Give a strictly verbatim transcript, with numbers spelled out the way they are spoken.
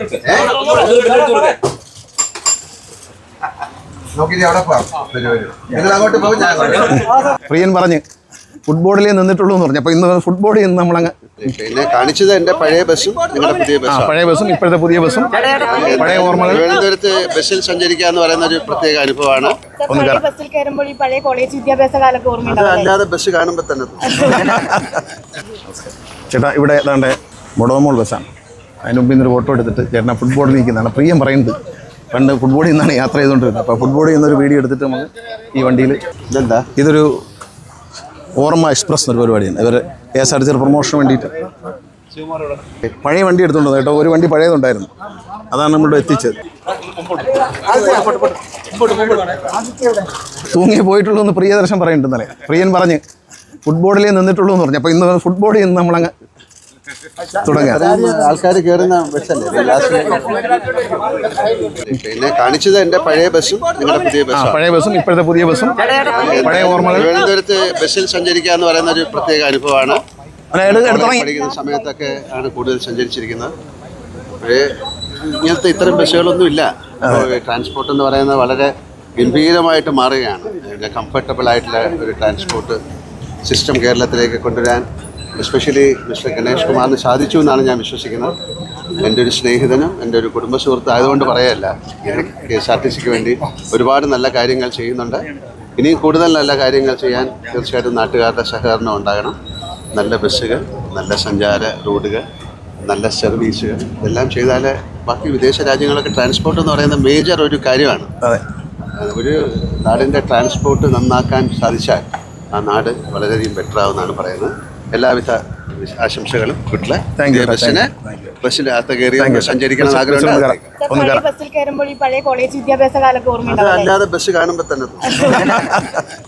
പ്രിയൻ പറഞ്ഞ് ഫുട്ബോളിലേ നിന്നിട്ടുള്ളൂ എന്ന് പറഞ്ഞു. അപ്പൊ ഇന്ന് ഫുട്ബോളിൽ നിന്ന് നമ്മളങ്ങ് പിന്നെ കാണിച്ചത് എന്റെ പഴയ ബസ്സും നിങ്ങളുടെ പുതിയ ബസ്സും പഴയ ബസ്സും ഇപ്പോഴത്തെ പുതിയ ബസ്സും പഴയ ഓർമ്മകൾ. തിരുവനന്തപുരത്ത് ബസ്സിൽ സഞ്ചരിക്കുക എന്ന് പറയുന്ന ഒരു പ്രത്യേക അനുഭവമാണ്. അല്ലാതെ ബസ് കാണുമ്പോൾ തന്നെ ചേട്ടാ ഇവിടെ ഏതാണ്ട് മൊടോമോൾ ബസ്സാണ്. അതിന് മുമ്പ് ഇന്നൊരു ഫോട്ടോ എടുത്തിട്ട് ചേട്ടനെ ഫുട്ബോളിൽ നിൽക്കുന്നതാണ്. പ്രിയം പറയുന്നത് പണ്ട് ഫുട്ബോളിൽ നിന്നാണ് യാത്ര ചെയ്തുകൊണ്ടിരുന്നത്. അപ്പോൾ ഫുട്ബോളിൽ നിന്നൊരു വീഡിയോ എടുത്തിട്ട് നമുക്ക് ഈ വണ്ടിയിൽ ഇതെന്താ ഇതൊരു ഓർമ്മ എക്സ്പ്രസ് എന്നൊരു പരിപാടിയാണ്. ഇവർ K S R T C പ്രൊമോഷന് വേണ്ടിയിട്ട് പഴയ വണ്ടി എടുത്തുകൊണ്ട് കേട്ടോ. ഒരു വണ്ടി പഴയതുണ്ടായിരുന്നു, അതാണ് നമ്മളിവിടെ എത്തിച്ചത്. തൂങ്ങി പോയിട്ടുള്ളൂ എന്ന് പ്രിയദർശൻ പറയുന്നുണ്ടെന്നല്ലേ. പ്രിയൻ പറഞ്ഞ് ഫുട്ബോളിലേ നിന്നിട്ടുള്ളൂ എന്ന് പറഞ്ഞു. അപ്പോൾ ഇന്ന് ഫുട്ബോളിൽ നിന്ന് നമ്മളങ്ങ് തുടങ്ങാം. ആൾക്കാർ കയറുന്ന ബസ്സല്ലേ. പിന്നെ കാണിച്ചത് എന്റെ പഴയ ബസ്സും നിങ്ങളുടെ പുതിയ ബസ്സും പഴയ ബസ്സും ഇപ്പോഴത്തെ പുതിയ ബസ്സും പഴയ ഓർമ്മകൾ. തിരുവനന്തപുരത്ത് ബസ്സിൽ സഞ്ചരിക്കുക എന്ന് പറയുന്ന ഒരു പ്രത്യേക അനുഭവമാണ്. പഠിക്കുന്ന സമയത്തൊക്കെ ആണ് കൂടുതൽ സഞ്ചരിച്ചിരിക്കുന്നത്. പക്ഷേ ഇങ്ങനത്തെ ഇത്തരം ബസ്സുകളൊന്നും ഇല്ല. ട്രാൻസ്പോർട്ട് എന്ന് പറയുന്നത് വളരെ ഗംഭീരമായിട്ട് മാറുകയാണ്. കംഫർട്ടബിൾ ആയിട്ടുള്ള ഒരു ട്രാൻസ്പോർട്ട് സിസ്റ്റം കേരളത്തിലേക്ക് കൊണ്ടുവരാൻ എസ്പെഷ്യലി മിസ്റ്റർ ഗണേഷ് കുമാറിന് സാധിച്ചു എന്നാണ് ഞാൻ വിശ്വസിക്കുന്നത്. എൻ്റെ ഒരു സ്നേഹിതനും എൻ്റെ ഒരു കുടുംബ സുഹൃത്ത് ആയതുകൊണ്ട് പറയല്ല, കെ എസ് ആർ ടി സിക്ക് വേണ്ടി ഒരുപാട് നല്ല കാര്യങ്ങൾ ചെയ്യുന്നുണ്ട്. ഇനിയും കൂടുതൽ നല്ല കാര്യങ്ങൾ ചെയ്യാൻ തീർച്ചയായിട്ടും നാട്ടുകാരുടെ സഹകരണം ഉണ്ടാകണം. നല്ല ബസ്സുകൾ, നല്ല സഞ്ചാര റോഡുകൾ, നല്ല സർവീസുകൾ ഇതെല്ലാം ചെയ്താൽ ബാക്കി വിദേശ രാജ്യങ്ങളൊക്കെ ട്രാൻസ്പോർട്ട് എന്ന് പറയുന്ന മേജർ ഒരു കാര്യമാണ്. ഒരു നാടിൻ്റെ ട്രാൻസ്പോർട്ട് നന്നാക്കാൻ സാധിച്ചാൽ ആ നാട് വളരെയധികം ബെറ്റർ ആവുമെന്നാണ് പറയുന്നത്. എല്ലാവിധ ആശംസകളും. വീട്ടിലെ ബസ്സിന് ബസ്സിനകത്ത് കയറി സഞ്ചരിക്കണം ആഗ്രഹമുണ്ട്. അല്ലാതെ ബസ് കാണുമ്പോൾ തന്നെ